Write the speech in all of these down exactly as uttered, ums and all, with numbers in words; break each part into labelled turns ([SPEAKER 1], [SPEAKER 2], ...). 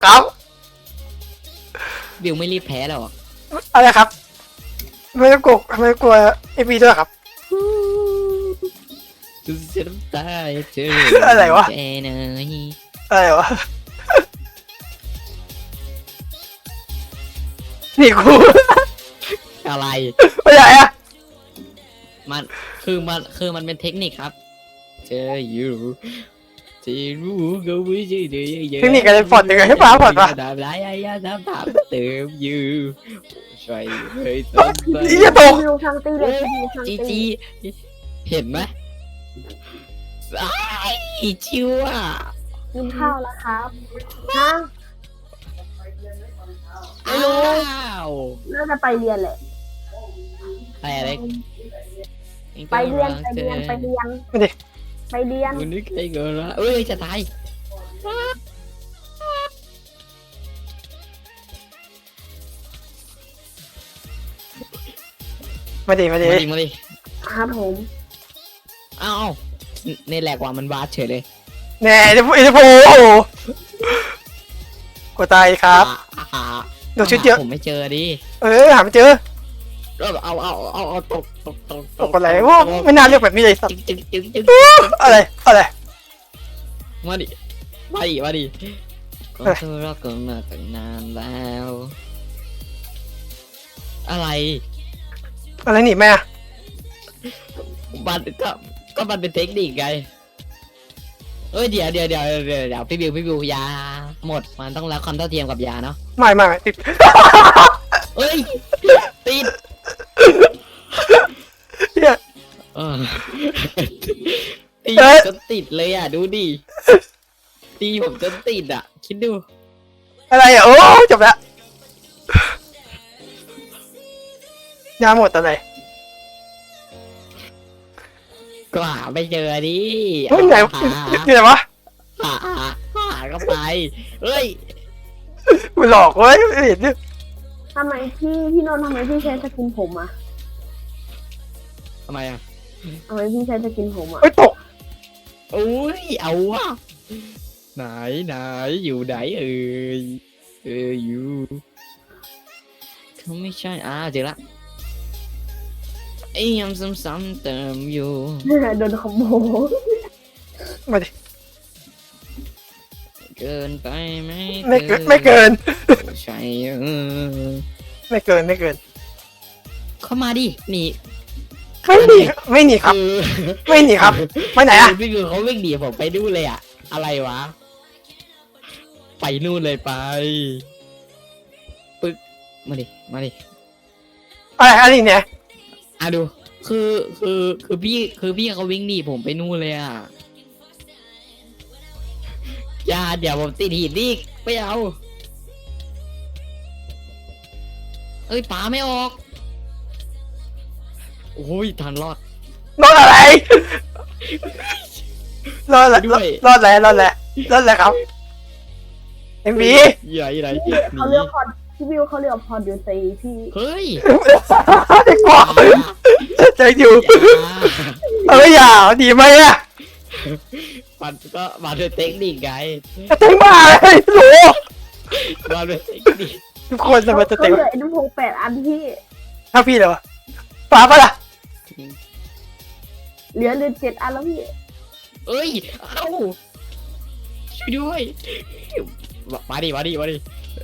[SPEAKER 1] ครับ
[SPEAKER 2] บิวไม่รีบแพ้หรอก
[SPEAKER 1] อะไรครับไม่ต้องกลัวไม่ต้องกลัวเอฟบีด้วยครับ
[SPEAKER 2] จะเสียน้ำตาเจอ
[SPEAKER 1] อะไรวะ
[SPEAKER 2] แกเนย
[SPEAKER 1] อะไรวะนี่กู
[SPEAKER 2] อะไร
[SPEAKER 1] ไม่ใช่อะ
[SPEAKER 2] มันคือมันคือมันเป็นเทคนิคครับเจออยู่ที่รู้ก็ไม่ใช่เดือย
[SPEAKER 1] เทคนิคอะไรฟอดยังไงให้ป้าฟอดวะ
[SPEAKER 2] ทำไรไอ้ยาทำตามเติมอยู่ช่วยเฮ้ยต้นไป
[SPEAKER 1] นี่จะตก
[SPEAKER 3] รีวิวทางตีเลยรีวิวทาง
[SPEAKER 2] จี
[SPEAKER 3] ตี
[SPEAKER 2] จีเห็นไหมไอ้ชิวอ่ะ
[SPEAKER 3] กินข้าวแล้วครับฮะ
[SPEAKER 2] อ้าว
[SPEAKER 3] น่าจะไปเรียนแหละ
[SPEAKER 2] ไปอะไร
[SPEAKER 3] ไปเรียนไปเรียนไปเรียน
[SPEAKER 1] ไม่ดิ
[SPEAKER 3] ไปเรียน
[SPEAKER 2] คุณนึกไอ้เกินละเอ้ยจะตาย
[SPEAKER 1] ไม่ดิไม่ดิ
[SPEAKER 2] มาดิมาดิ
[SPEAKER 3] ครับผม
[SPEAKER 2] อ้าวในแหลกว่ามันวาดเฉยเลย
[SPEAKER 1] แน่เดี๋ยวเดี๋ยวโอ้โหกูตายครับ
[SPEAKER 2] อ่าอ่า
[SPEAKER 1] เดี๋ยวชุดเยอะ
[SPEAKER 2] ผมไม่เจอดิ
[SPEAKER 1] เออหาไม่เจอ
[SPEAKER 2] เอาเอาเอาเอาเอาตกตกตก
[SPEAKER 1] ตกอะไรวะไม่น่าเรียกแบบนี้เลยสัตว์
[SPEAKER 2] จึ๊งจึ๊งจึ๊งจึ๊ง
[SPEAKER 1] อะไรอะไร
[SPEAKER 2] มาดิมาดิมาดิก็
[SPEAKER 1] เอ้ย
[SPEAKER 2] เธอรักกันมาตั้งนานแล้ว อะไร
[SPEAKER 1] อะไรหนีแม่อะ
[SPEAKER 2] มันก็ก็มันเป็นเทคนิคไงเอ้ยเดี๋ยวเดี๋ยวเดี๋ยวเดี๋ยวเดี๋ยวพี่บิวพี่บิวยาหมดมันต้องรักความเท่าเทียมกับยาเนาะ
[SPEAKER 1] ไม่ไม่ไม่ติด
[SPEAKER 2] เอ้ยติด
[SPEAKER 1] เนี่ย
[SPEAKER 2] เออตี
[SPEAKER 1] เอ้ย
[SPEAKER 2] จนติดเลยอ่ะดูดิตีผมจนติดอ่ะ คิดดู
[SPEAKER 1] อะไรอ่ะโอ้จบแล้วยาหมดอะไร
[SPEAKER 2] ก็หาไม่เจอดิ
[SPEAKER 1] เฮ้ยไหน
[SPEAKER 2] หา
[SPEAKER 1] ที่ไหนวะ
[SPEAKER 2] หาหาหาก็ไปเอ้ย
[SPEAKER 1] กูหลอกเว้ยไม่เห็นดิ
[SPEAKER 3] ทำไมพี่พี่นนท์ทำไมพี่ใช้สกินผมอ่ะ
[SPEAKER 2] ทำไมอ่ะ
[SPEAKER 3] ทำไมพี่ใช้สกินผมอ่ะ
[SPEAKER 1] เฮ้ยตก
[SPEAKER 2] โอ้ยเอาวะไหนไหนอยู่ไหนเอ่ยเอออยู่เขาไม่ใช่อ่าเจอละไอ้ยำซ้ำๆเติมอยู่
[SPEAKER 3] โดนขโมย
[SPEAKER 1] มาดิ
[SPEAKER 2] เกินไปไหม
[SPEAKER 1] ไม่เกินไม่เกิน
[SPEAKER 2] ใช่เออ
[SPEAKER 1] ไม่เกินไม่เกิน
[SPEAKER 2] เข้ามาดิหนี
[SPEAKER 1] ไม่หนีไม่หนีครับ
[SPEAKER 2] คือ
[SPEAKER 1] ไม่หนีครับไปไหนอ่ะ
[SPEAKER 2] พี่คือเขาวิ่งหนีผมไปดูนเลยอะอะไรวะ ไปนู่นเลยไปปึ๊กมาดิมาดิ
[SPEAKER 1] อะไรอะไรเนี่ย
[SPEAKER 2] อ่ะดู คือคือคือพี่คือพี่เขาวิ่งหนีผมไปนู่นเลยอะอย่าเดี๋ยวผมติดหินอีกไม่เอาเอ้ยป๋าไม่ออกโอ้ยทันรอด
[SPEAKER 1] รอดอะไรรอดอะไร
[SPEAKER 2] ด้วย
[SPEAKER 1] รอดอะไรรอดอะไรรอดอะไรครับเอ็มบี
[SPEAKER 2] ใหญ่ไหน
[SPEAKER 3] พี่เขาเลือกพอดพี่วิวเขาเลือกพอดอยู่ซีพี่
[SPEAKER 2] เฮ้ย
[SPEAKER 1] เด็กกว่าใจอยู่เอ้ยอย่าดีไหมอ่ะ
[SPEAKER 2] มันก็มาด้วยเทคนิคไง
[SPEAKER 1] จะเต็งบ้าเลยหนู
[SPEAKER 2] มาด้วยเทคนิค
[SPEAKER 1] ทุกคนจะมาจะ
[SPEAKER 3] เขา
[SPEAKER 1] เต็ง
[SPEAKER 3] เหลือไอ้นุ่มพงแปดอันพี่
[SPEAKER 1] ถ้าพี่เลยวะป้าปะล่ะ
[SPEAKER 3] เหลือเหลือเจ็ดอันแล้วพี่
[SPEAKER 2] เอ้ย เอ้า ช่วยด้วย มาดิ มาดิ มาดิ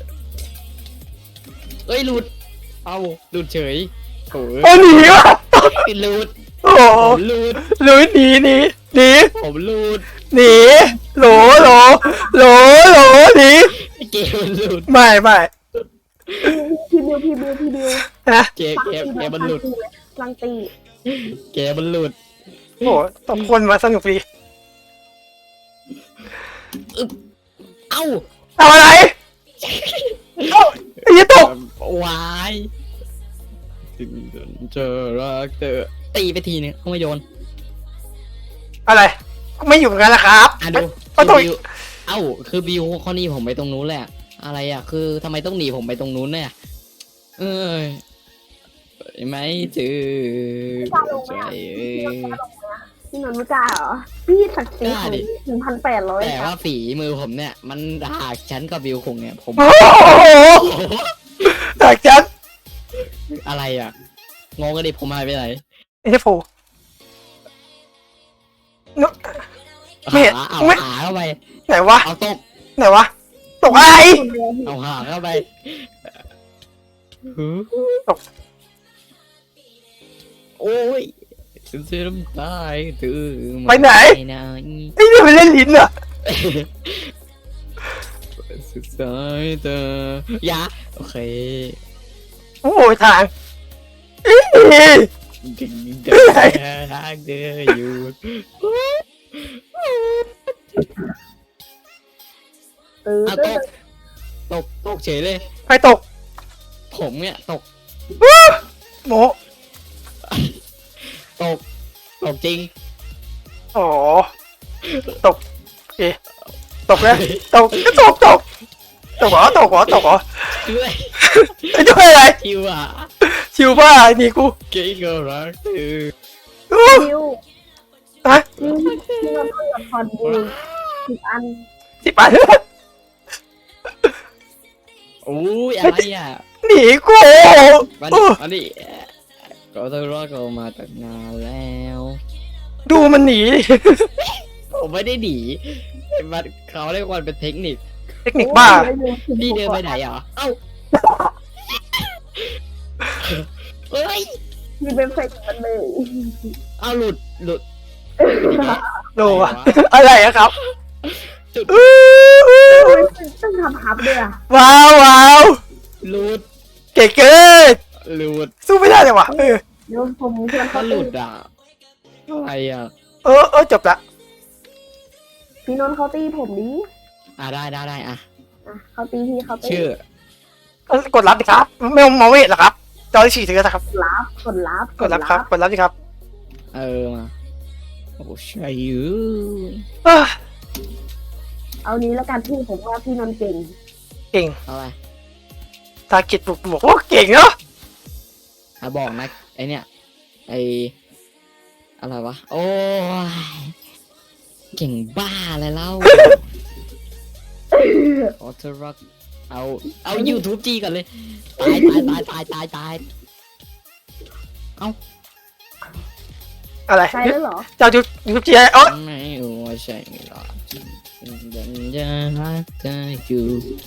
[SPEAKER 2] เอ้ย หลุด เอ้า หลุดเฉยโอ้ย
[SPEAKER 1] โอ้หนีวะ
[SPEAKER 2] หลุด
[SPEAKER 1] โอ้
[SPEAKER 2] ผมหลุด
[SPEAKER 1] หลุยหนีหนีหนี
[SPEAKER 2] ผมหลุด
[SPEAKER 1] หนีโหลโหลโหลโหลหนี
[SPEAKER 2] เกมมันหลุด
[SPEAKER 1] ไม่ไม่
[SPEAKER 3] พี่บิวพี่บิวพี่บิว
[SPEAKER 1] นะ
[SPEAKER 2] เกมเกมเกมมันหลุด
[SPEAKER 3] ลังตี
[SPEAKER 2] เกมมันหลุด
[SPEAKER 1] โอ้ต้องคนมาสนุกดี
[SPEAKER 2] เอ้า
[SPEAKER 1] ทำอะไรเอ้าไอ้ยี่ตก
[SPEAKER 2] วายถึงเจอรักเธอตีไปทีนึงเขาไม่โยน
[SPEAKER 1] อะไรไม่อยู่กันนะครับ
[SPEAKER 2] อ่ะดู
[SPEAKER 1] ก็ต้อง
[SPEAKER 2] บิวเอ้า คือบิวเขาหนีผมไปตรงนู้นแหละ อะไรอ่ะ คือทำไมต้องหนีผมไปตรงนู้นเนี่ยเอ้ยไม่ถือใจเอ้ย
[SPEAKER 3] พี่นนท์ไม่กล้าเหรอพี่ศักดิ์ศรีของหนึ่งพันแปดร้อย
[SPEAKER 2] แต่
[SPEAKER 3] ครั
[SPEAKER 2] ว่า
[SPEAKER 3] บ
[SPEAKER 2] ฝีมือผมเนี่ย มันหากฉันกับบิวคงเนี่ยผม
[SPEAKER 1] โอ้โหจากฉัน
[SPEAKER 2] อะไรอ่ะงงกันดิผมหายไปไหน
[SPEAKER 1] ไอ้เจ้าโผล่นุ๊ก ไม่เห็น
[SPEAKER 2] หาเอา
[SPEAKER 1] ไม่
[SPEAKER 2] หาเข้าไป
[SPEAKER 1] ไหนวะ
[SPEAKER 2] เอาตก
[SPEAKER 1] ไหนวะตกอะไร
[SPEAKER 2] เอาหาเข้าไป
[SPEAKER 1] ตก
[SPEAKER 2] โอ้ยฉันเสียน้ำตาตื่น
[SPEAKER 1] ไปไหน
[SPEAKER 2] ไปไหน
[SPEAKER 1] ไอ้นี่มันเล่นลิ้นเหรอ
[SPEAKER 2] สุดสายตายาโอเค
[SPEAKER 1] โอ้ยทางอี๋
[SPEAKER 2] ถึงเดินทางเดินอยู่
[SPEAKER 3] ตื่น
[SPEAKER 2] อ่ะตกตกตกเฉยเลย
[SPEAKER 1] ใครตก
[SPEAKER 2] ผมเนี่ยตก
[SPEAKER 1] โม
[SPEAKER 2] ตกตกจริง
[SPEAKER 1] อ๋อตกโอเคตกแล้วตกก็ตกตกตกเหรอตกเหรอตกเหรอ
[SPEAKER 2] ด้วย
[SPEAKER 1] ไอ้ด้วยอะไร
[SPEAKER 2] คิวอ่ะ
[SPEAKER 1] ชิวบ้านี่กู
[SPEAKER 2] เก่งก็รักเธอ
[SPEAKER 1] อู้
[SPEAKER 3] คิว
[SPEAKER 1] ฮะ
[SPEAKER 3] พี่พี่นนท์ต้องละครบูสิบอัน
[SPEAKER 1] สิบบาท
[SPEAKER 2] โอ้ยอะไรอ่ะ
[SPEAKER 1] หนีกู
[SPEAKER 2] มา
[SPEAKER 1] อู้
[SPEAKER 2] ดิมาดิก็เธอรอดก็มาตั้งนานแล้ว
[SPEAKER 1] ดูมันหนี
[SPEAKER 2] ผมไม่ได้หนีมันเขาเรียกว่าเป็นเทคนิค
[SPEAKER 1] เทคนิคบ้า
[SPEAKER 2] พี่เดินไปไหนเหรอเอ้าเอ้ย
[SPEAKER 3] มีเป็นเฟกมันเลย
[SPEAKER 2] เอาหลุดหลุด
[SPEAKER 1] โดอะอะไรอะครับ
[SPEAKER 2] จุด
[SPEAKER 1] อู้อู้
[SPEAKER 3] โอ้ยต้องทำฮับด้วยอ่ะ
[SPEAKER 1] ว้าวว้าว
[SPEAKER 2] หลุด
[SPEAKER 1] เก๋เกิน
[SPEAKER 2] หลุด
[SPEAKER 1] สู้ไม่ได้เลยว่ะเออ
[SPEAKER 3] เดี๋ยวผมชวน
[SPEAKER 2] ก็
[SPEAKER 3] เขา
[SPEAKER 2] ห
[SPEAKER 3] ตี
[SPEAKER 2] ลุดอ่ะอะไรอ่ะ
[SPEAKER 1] เออเออจบละ
[SPEAKER 3] พี่นนท์เขาตีผมดิ
[SPEAKER 2] อ่ะได้ได้ได้อ่ะ
[SPEAKER 3] อ่ะเขาตีพี่เขาตี
[SPEAKER 2] ชื่อ
[SPEAKER 1] เออกดรับดิครับไม่มองไม่เห็นหรอครับจอที่สี่ถือนะครับ
[SPEAKER 3] รับกดรับ
[SPEAKER 1] กดรับครับกดรับดิครับ
[SPEAKER 2] เออมาโอ้ใช่ยู
[SPEAKER 1] เอ้อ
[SPEAKER 3] เอานี้แล้วกันพี่ผมว่าพี่นนท์เก่ง
[SPEAKER 1] เก่ง
[SPEAKER 2] อะไร
[SPEAKER 1] ตากิดบุกบอกว่าเก่งเนาะ
[SPEAKER 2] อ่ะบอกนะไอเนี่ยไออะไรวะโอ้ยเก่งบ้าอะไรเล่าออเทอร์รักเอาเอา YouTube จีก่อนเลยตายตายตายตายตายตาย
[SPEAKER 1] อะไร
[SPEAKER 3] ใช่แล้วเหรอ
[SPEAKER 1] เจ้ายูยูจีเอ๋อ
[SPEAKER 2] ไม่รู้ว่าใช่ไม่หรอกฉันจะรักเธออยู่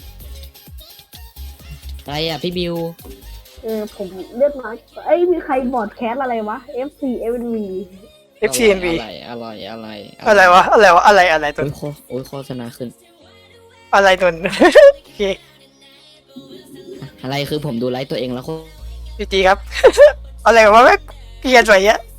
[SPEAKER 2] อะไรอ่ะพี่บิว
[SPEAKER 3] เออผมเลือกน้อยเอ้ยมีใครบอร์ดแคสอะไรวะ เอฟ ซี เอฟ เอ็น วี
[SPEAKER 1] เอฟซีเอ็นบี
[SPEAKER 2] อะไรอะไรอะไร
[SPEAKER 1] อะไรวะอะไรวะอะไรอะไรตัว
[SPEAKER 2] โอ้ยโคโอ้ยโฆษณาขึ้น
[SPEAKER 1] อะไรตัว โอเค
[SPEAKER 2] อะไรคือผมดูไลฟ์ตัวเองแล้วโค
[SPEAKER 1] จีจีครับ อะไรวะแม่งเปลี่ยนไปเยอะ